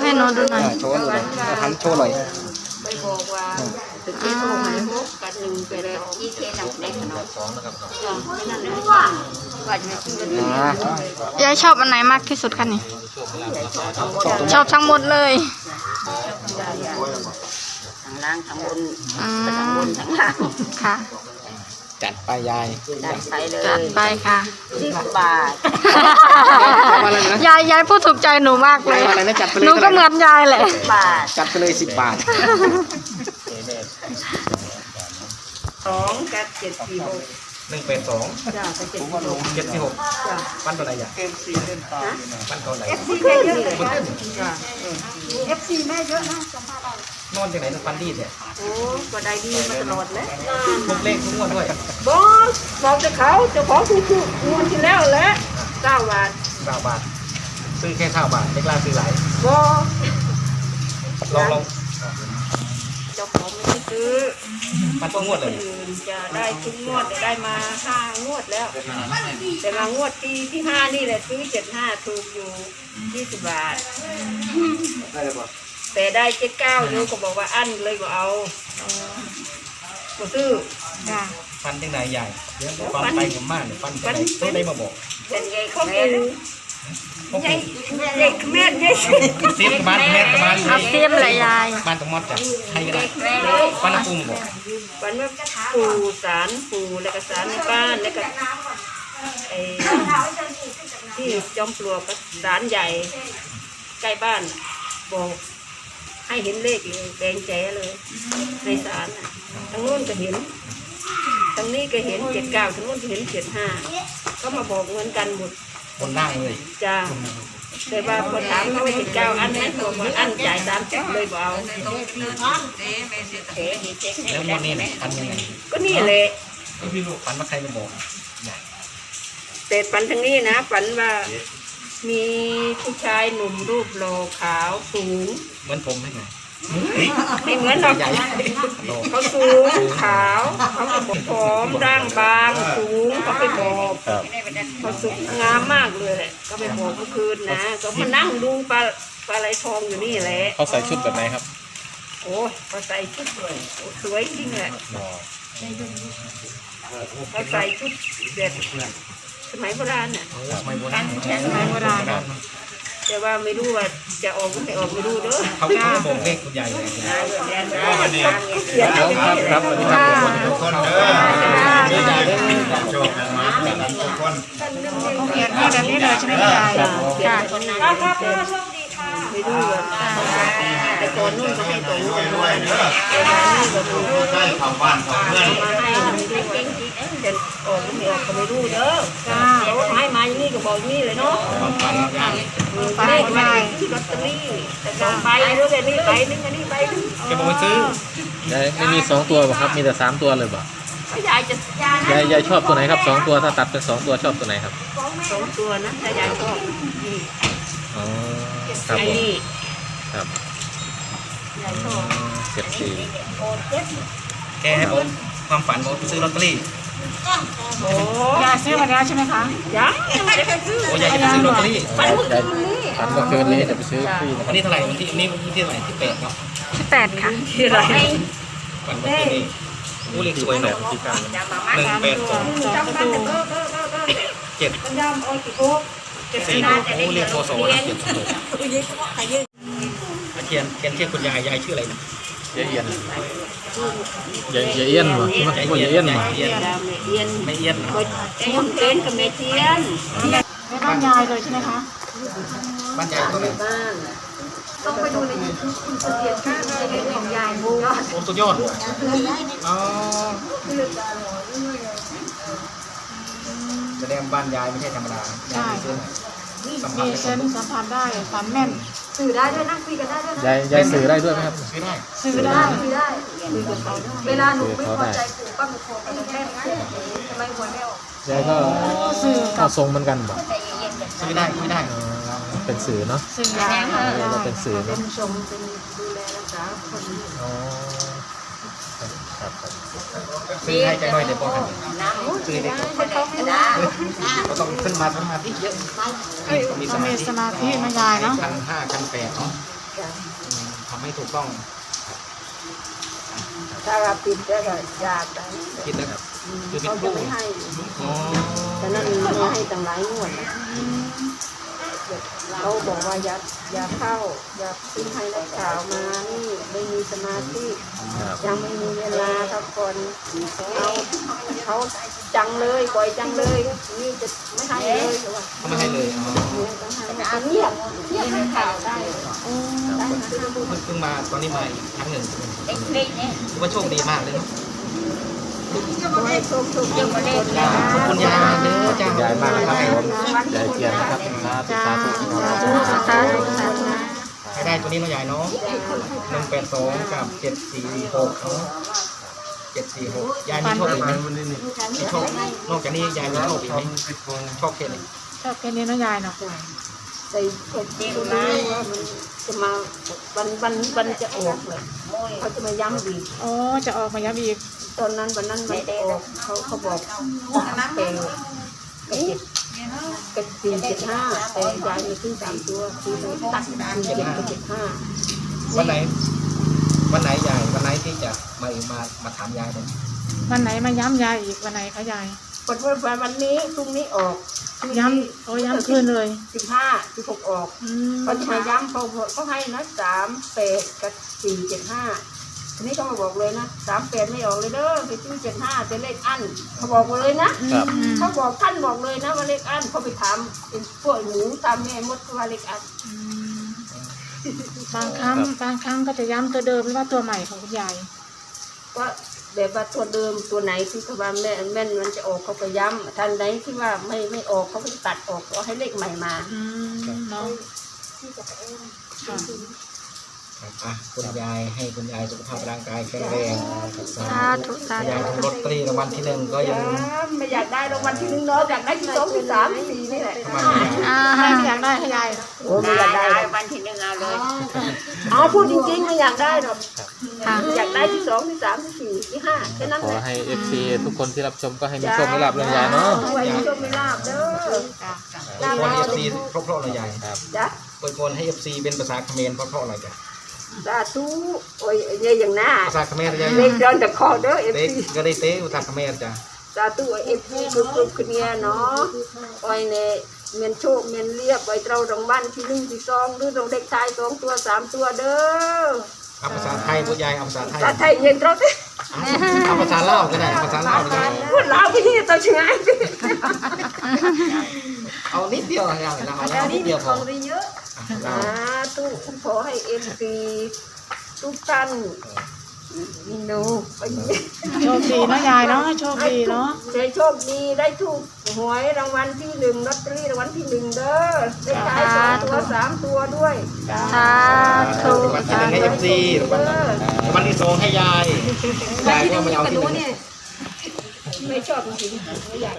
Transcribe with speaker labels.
Speaker 1: ให้หนูดูหน่อย
Speaker 2: โชว์หน่อยทำโชว์หน่อย
Speaker 3: ไปบอกว่าตึกที่โทรหาพบกันหนึ่งไปแล้วอีเทนเด็กเนาะ2นะครับไม่นั่นเลยว่าจะไม่ซื้อกัน
Speaker 1: ยายชอบอันไหนมากที่สุดคะนี่ชอบทั้งหมดเลย
Speaker 3: ทั้งล่างทั้งบนทั้งบนทั้งล่าง
Speaker 1: ค่ะ
Speaker 2: จัดไปยาย
Speaker 3: จัดไปเลย
Speaker 1: จัดไปค่ะ
Speaker 3: 10 บาท
Speaker 1: ยายพูดถูกใจหนูมากเลยหนูก็เหมือนยายแหละ
Speaker 3: บาท
Speaker 2: จัดไปเลย10 บาท
Speaker 3: 2กับ746
Speaker 2: 182
Speaker 3: จ้าไป746
Speaker 2: จ้าปั้นตัวไหนอ่ะปั้นตัวไหน
Speaker 3: FC แม่เยอะจ้า FC แม่เยอะนะสัมภาษณ์เอา
Speaker 2: นอนจากไหนฟันดีเนี่ย
Speaker 3: โอ้ก็ได้ดีมาตลอดเลย
Speaker 2: ทุกเลขทุกงวดด้วย
Speaker 3: บอกจะเขาจะขอถูกงวดที่แล้วแหละ9 บาท
Speaker 2: 9 บาทซื้อแค่9 บาทไม่กล้าซื้อหลายลอง
Speaker 3: เจ้าของไม่ซื้อ
Speaker 2: มันต้องงวดเลย
Speaker 3: จะได้ทุกงวดได้มา5 งวดแล้วแต่มางวดที่5นี่แหละซื้อ75ถูกอยู่20 บาทแต่ได้79อยู่ก็บอกว่าอั้นเลยก็เอาก็ซื้อ
Speaker 2: ฟันยังไงใหญ่ฟันไปผมมากเลยฟันตัวได้มาบอก
Speaker 3: เป็นไงเขาเป็นใหญ่เด็กแม่ใหญ่
Speaker 2: ซีมบ้านแม่ตะบ้าน
Speaker 1: เอาซีมเลยยาย
Speaker 2: บ้านตะมอดจ้ะใครก็ได้ฟันปุ้งบอก
Speaker 3: ฟันว่าปู่สารปู่แล้วก็สารในบ้านแล้วก็ไอ้ที่จอมปลวกก็สารใหญ่ใกล้บ้านบอกให้เห็นเลขเลยแดงแจ๋เลยในศาลทางโน้นก็เห็นทางนี้ก็เห็น79ทางโน้นก็เห็น75ก็มาบอกเหมือนกันหมด
Speaker 2: บนล่างเลย
Speaker 3: จ้าแต่ว่าพอถามเขาว่า79อันนั้นบอกว่าอันจ่าย30เลยบอกเอา
Speaker 2: แล้ววันนี้ฟันยังไง
Speaker 3: ก็นี่แหละ
Speaker 2: ฟันมาใครมาบอก
Speaker 3: แต่ฝันทางนี้นะฝันว่ามีผู้ชายหนุ่มรูปหล่อขาวสูง
Speaker 2: เหมือนผมไหมไง
Speaker 3: ไม่เหมือนหรอกเขาสูงขาวเขาผอมร่างบางสูงเขาไปบอกเขาสุกงามมากเลยแหละก็ไปบอกเมื่อคืนนะก็มานั่งดูปลาไหลทองอยู่นี่แหละ
Speaker 2: เขาใส่ชุดแบบไหนครับ
Speaker 3: โอ้เขาใส่ชุดสวยจริงแหละเขาใส่ชุดแบบสมัยโบราณน่ะ
Speaker 2: สมัยโบราณ
Speaker 3: แต่ว่าไม่รู้ว่าจะออกไม่ออกไม่รู้เด้อ
Speaker 2: เขาก็บอกเลขคุณใหญ่เลย
Speaker 3: วันนี้
Speaker 2: ครับวันนี้ครับทุกคนเด้อโชคกันมาทุกคน
Speaker 1: เขียนให้แบบนี้เลยใช่ไหมยายค่ะ
Speaker 3: ครับโชคดีค่ะไม่รู้แต่ก่อนนู่นก็ให้ตัวนู่นด้วยเด้อ
Speaker 2: ใช่ทำบ้านทำเพื่อน
Speaker 3: มาให้เก่งๆจะออกไม่ออกก็ไม่รู้เด้อเขาให้มาอย่างนี้ก็บอกอย่างนี้เลยเนาะเลขมาที่ลอตเตอรี่แต่จองไปด้วยแต่นี่ไปนึงอันนี้ไปนึง
Speaker 2: แกบอกว่าซื้อไม่มี2 ตัวป่ะครับมีแต่3 ตัวเลยป่ะ
Speaker 3: ยายจะ
Speaker 2: ยายชอบตัวไหนครับ2 ตัวถ้าตัดเป็น2 ตัวชอบตัวไหนครับ
Speaker 3: 2 ตัวนะแต่ยายชอบนี่
Speaker 2: อ๋อครับ
Speaker 3: นี่
Speaker 2: ครับ
Speaker 3: ยายชอบ
Speaker 2: แกให้ผมความฝันผมซื้อลอตเตอรี่
Speaker 3: โอ้
Speaker 1: ยายซื้อมาแล้วใช่ไหมคะ
Speaker 3: ยังไม่ได้ซื้อ
Speaker 2: โอ้ยายจะซื้อลอตเตอรี่
Speaker 3: ฝันเมื่อคืนนี้
Speaker 2: ฝันเมื่อคืนนี้จะไปซื้อวันนี้เท่าไหร่วันที่นี้วันที่เท่าไหร่ที่8เนาะ
Speaker 1: ที่8ค่ะ
Speaker 3: ที่อะไร
Speaker 2: ฝันเมื่อคืนนี้ผู้เรียกสวยแบบที่การ182 7 4ผู้เรียกโคโซนะเขียนคุณยายชื่ออะไรนะยายเอียนวะไม่เอียน
Speaker 3: ไม่เอียนช่วงเต้นกับแม่เทียน
Speaker 1: บ้านยายเลยใช่ไหมคะ
Speaker 2: บ้านยายตรงไหน
Speaker 1: ต้องไปดูในYouTubeคุณเสถียรข้างในของยายบู
Speaker 2: โอ้สุดยอดอ๋อแสดงบ้านยายไม่ใช่ธรรมดา
Speaker 1: ใช่มีเซนสัมผัสได้ฝันแม่นสื่อได้ด้วยนั่งคุยกันได้ด้วยนะ
Speaker 2: ยายสื่อได้ด้วยไหมครับ
Speaker 1: สื่อได้คุยกับเขาเวลาหนูไม่พอใจปู่ป้าหนูโทรไปแม่ทำไมหวยไม่ออก
Speaker 2: ยายก็สื่อก็ทรงเหมือนกันบ่สื่อได้คุยได้เป็นสื่อเนาะ
Speaker 1: สื่อได้
Speaker 2: เราเป็นสื่อ
Speaker 3: เป็นชมเป็นดูแลรักษาคน
Speaker 2: ซื้อให้ใจหน่อยเดี๋ยวบอกกันซื้อเด็กก็ต้องขึ้นมาที่เยอะ
Speaker 1: มีสมาธิไม่ยายเนาะ
Speaker 2: 1,500 1,800เนาะ
Speaker 4: ทำให้ถูกต้อง
Speaker 3: ถ้าเราปิดแล้วก็ยากไป
Speaker 4: คิดนะครับคือเป็น
Speaker 3: เขา
Speaker 4: ค
Speaker 3: จะ
Speaker 4: รู
Speaker 3: ไม่ให้
Speaker 4: อ๋อ
Speaker 3: แต่นั่นไม่ให้ตั้งหลายงวดนะเขาบอกว่าอย่าเข้าอย่าขึ้นให้นักข่าวมานี่ไม่มีสมาธิ
Speaker 2: ครับ
Speaker 3: ยังไม่มีเวลาครับก่อนเขาจังเลยปล่อยจังเลยนี่จะไม่ให้เลยหรือว่า
Speaker 4: เขาไม่ให้เลยอ๋อ
Speaker 3: เงียบให้ข่าวได้
Speaker 4: เพิ่งมาตอนนี้มาอีกครั้งหนึ่งถือว่าโชคดีมากเลยเนาะ
Speaker 3: ขอให้โชคดีมาเล่น
Speaker 4: จ้าขอบคุณยายเด้อจ้า
Speaker 2: ยายมากนะครับผมยายเจียนนะครับสาธุสาธุครับ
Speaker 4: ให้ได้ตัวนี้เนาะยายเนาะ182กับ746เนาะ746ยายมีโชคอีกไหมมีโชคนอกจากนี้ยายมีโชคอีกไหมโชคแค่ไหน
Speaker 5: ชอบแค่นี้เนาะยายเนาะ
Speaker 3: ใส่โชคดีนะว่ามันจะมาวันจะออกเลยเขาจะมาย้ำอีก
Speaker 5: อ๋อจะออกมาย้ำอีก
Speaker 3: ตอนนั้นวันนั้นมันจะออกเขาบอกเป็นกับ475แต่ยายมีขึ้น3ตัวคือตัด47กับ75
Speaker 4: วันไหนยายวันไหนที่จะมาถามยายเลย
Speaker 5: วันไหนมาย้ำยายอีกวันไหนคะยาย
Speaker 3: วันนี้พรุ่งนี้ออก
Speaker 5: ย้ำโอ้ย้ำคืนเลย
Speaker 3: 16ออก
Speaker 5: อืม
Speaker 3: เขาจะมาย้ำเขาให้นะ38กับ475ทีนี้เขามาบอกเลยนะ38ไม่ออกเลยเด้อไปซื้อ75เป็นเลขอั้นเขาบอกเลยนะครับ เขาบอกท่านบอกเลยนะว่าเลขอั้นเขาไปถามเป็นพวกหนูตามแม่มดว่าเลขอั้น
Speaker 5: อืมบางครั้งก็จะย้ำตัวเดิมหรือว่าตัวใหม่ของคุณยาย
Speaker 3: ว่าแบบว่าตัวเดิมตัวไหนที่เขาว่าแม่นมันจะออกเขาก็ย้ำท่านไหนที่ว่าไม่ออกเขาก็ตัดออกเอาให้เลขใหม่มา
Speaker 5: อืมเนาะค่ะ
Speaker 4: คุณยายให้คุณยายสุขภาพร่างกายแข็งแรง
Speaker 5: สาธุสาธุ
Speaker 4: ยายถูกลอตเตอรี่รางวัลที่1ก็ยัง
Speaker 3: ไม่อยากได้รางวัลที่1เนาะอยากได้ที่2ที่3ที่4นี่แหละ
Speaker 4: ทำไมไม่ยาย
Speaker 5: ให้ไม่อยากได้ให้ยาย
Speaker 3: โอ้ไม่อยากได้รางวัลที่1เอาเลยพูดจริงๆไม่อยากได้หรอก
Speaker 5: ค่ะ
Speaker 3: อยากได้ที่2ที่3ที่4ที่5แค่นั้น
Speaker 2: ข
Speaker 3: แห
Speaker 2: อ
Speaker 3: ละ
Speaker 2: ให้ FC ทุกคนที่รับชมก็ให้มีโชคมีลาภเรื่องยายเนาะ
Speaker 3: ไว้ชมไม่ลาบเด้อ
Speaker 4: อวยพร FC เพราะๆเลยยาย
Speaker 2: ครับ
Speaker 3: จ้ะ
Speaker 4: อวยพรให้ FC เป็นภาษาเขมรเพราะๆอะไรจ้ะ
Speaker 3: สาธุโอ้ยเยอย่างหน้า
Speaker 4: ภาษาเขมรยาย
Speaker 3: เลขเดินจากคอเด้อ
Speaker 4: เต๊
Speaker 3: FC
Speaker 4: ก็ได้เต๊ภาษาเขมรจ้ะ
Speaker 3: สาธุเอฟซีกรุบๆขึ้นเงี้ยเนาะโอ้ยเนี่ยเมียนโชคเมียนเรียบไว้เรารางวัลที่1ที่2หรือรางเด็กชาย2ตัว3ตัวเด้อ
Speaker 4: เอาภาษาไทยพูดยายเอาภาษาไทย
Speaker 3: สาไทยเย็นเราเด้อ
Speaker 4: เอาภาษาลาวก็ได้ภาษาลาวก็ได้
Speaker 3: พูดลาวพี่ตัวชงาย
Speaker 4: เอานิดเดียวนะยายเอานิดเดียวพอ
Speaker 3: สาธุขอให้เอฟซีทุกท่านหนู
Speaker 5: โชคดีเนาะยายเนาะโชคดีเนาะ
Speaker 3: ให้โชคดีได้ถูกหวยรางวัลที่1ลอตเตอรี่รางวัลที่1เด้อได้ขาย2ตัว3ตัวด้วย
Speaker 5: สาธุ
Speaker 4: วันที่1ให้ FC วันที่2ให้ยายยายก็ไม่เอาที่1
Speaker 3: ไม่ชอบจริงๆไม่อยาก